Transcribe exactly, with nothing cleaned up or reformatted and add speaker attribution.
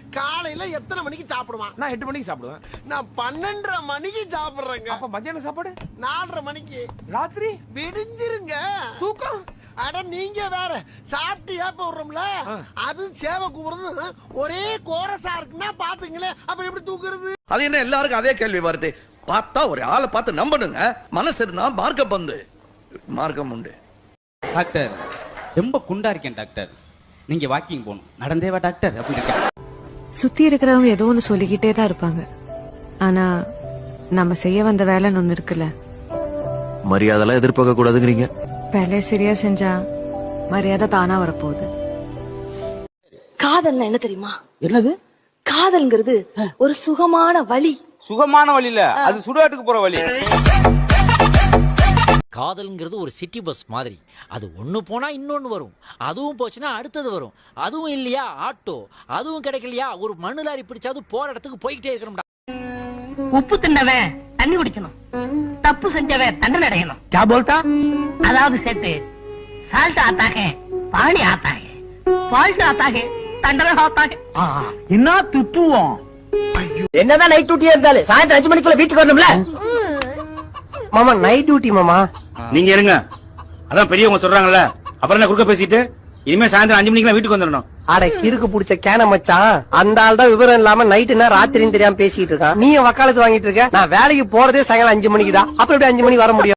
Speaker 1: காலையில எத்தனை மணிக்கு சாப்பிடுவான்?
Speaker 2: நான் எட்டு மணிக்கு சாப்பிடுவேன்.
Speaker 1: நான் பன்னெண்டரை மணிக்கு சாப்பிடுறேங்க.
Speaker 2: அப்ப மத்தியான சாப்பாடு
Speaker 1: நாலரை மணிக்கு.
Speaker 2: ராத்திரி
Speaker 1: விடிஞ்சிருங்க.
Speaker 2: தூக்கம்.
Speaker 1: அட நீங்க வேற சாப்பிட்டு ஏப்ப விடுறோம்ல, அது சேவை கூப்பிடுறது ஒரே கோரசா இருக்குன்னா பாத்துங்களேன், அப்புறம் எப்படி தூக்குறது?
Speaker 3: அது என்ன எல்லாருக்கும் அதே கேள்வி வருது? பார்த்தா ஒரு ஆளை பார்த்து நம்பணுங்க. மனசு இருந்தா மார்க்கம் பந்து மார்க்கம் உண்டு.
Speaker 4: டாக்டர் ரொம்ப குண்டா இருக்கேன் டாக்டர், நீங்க வாக்கிங் போகணும். நடந்தேவா டாக்டர் அப்படி இருக்கேன்.
Speaker 5: சுத்தி இருக்கிறவங்க ஏதோ ஒன்று சொல்லிக்கிட்டே தான் இருப்பாங்க. ஆனா நம்ம செய்ய வந்த வேலைன்னு ஒண்ணு இருக்குல்ல.
Speaker 6: மரியாதைலாம் எதிர்பார்க்க கூடாதுங்கிறீங்க.
Speaker 5: வேலையை சரியா செஞ்சா மரியாதை தானா வரப்போகுது.
Speaker 7: காதல்னா என்ன தெரியுமா?
Speaker 4: என்னது?
Speaker 7: காதல்ங்கிறது ஒரு சுகமான வழி.
Speaker 4: சுகமான வழி இல்ல, அது சுடுகாட்டுக்கு போற வழி.
Speaker 8: காதல்ங்கிறது ஒரு சிட்டி பஸ் மாதிரி. அது ஒண்ணு போனா இன்னொன்னு வரும், அதுவும் போச்சுன்னா அடுத்தது வரும், அதுவும் இல்லையா ஆட்டோ, அதுவும் கிடைக்கலையா ஒரு மண்ணு லாரி பிடிச்சாது போற இடத்துக்கு போய்கிட்டே இருக்கணும்டா.
Speaker 9: உப்பு தின்னவன் தண்ணி குடிக்கணும், தப்பு செஞ்சவன் தண்டனை அடையணும். क्या बोलता? அதாவது சேர்த்து சால்ட் ஆத்தாகே பாணி ஆத்தாகே, ஃபால்ட் ஆத்தாகே தண்டனை ஆத்தாகே. என்ன துத்துவோம்?
Speaker 1: என்னதான் நைட் டியூட்டியா இருந்தாலும் சாயந்தரம் அஞ்சு மணிக்குள்ள வீட்டுக்கு வரணும்ல. மாமா நைட் டியூட்டி மாமா.
Speaker 4: நீங்க இருங்க, அதான் பெரியவங்க சொல்றாங்கல்ல, அப்புறம் என்ன குறுக்க பேசிட்டு இனிமே சாயந்தரம் அஞ்சு மணிக்கு வீட்டுக்கு வந்துடணும்.
Speaker 1: அட கிறுக்கு புடிச்ச கேன மச்சான், அந்த ஆள் தான் விவரம் இல்லாம நைட்டுனா ராத்திரின்னு தெரியாம பேசிட்டு இருக்கான். நீ வக்காலத்து வாங்கிட்டு இருக்க. நான் வேலைக்கு போறதே சாயங்காலம் அஞ்சு மணிக்கு தான், அப்புறம் எப்படி அஞ்சு மணிக்கு வர முடியும்?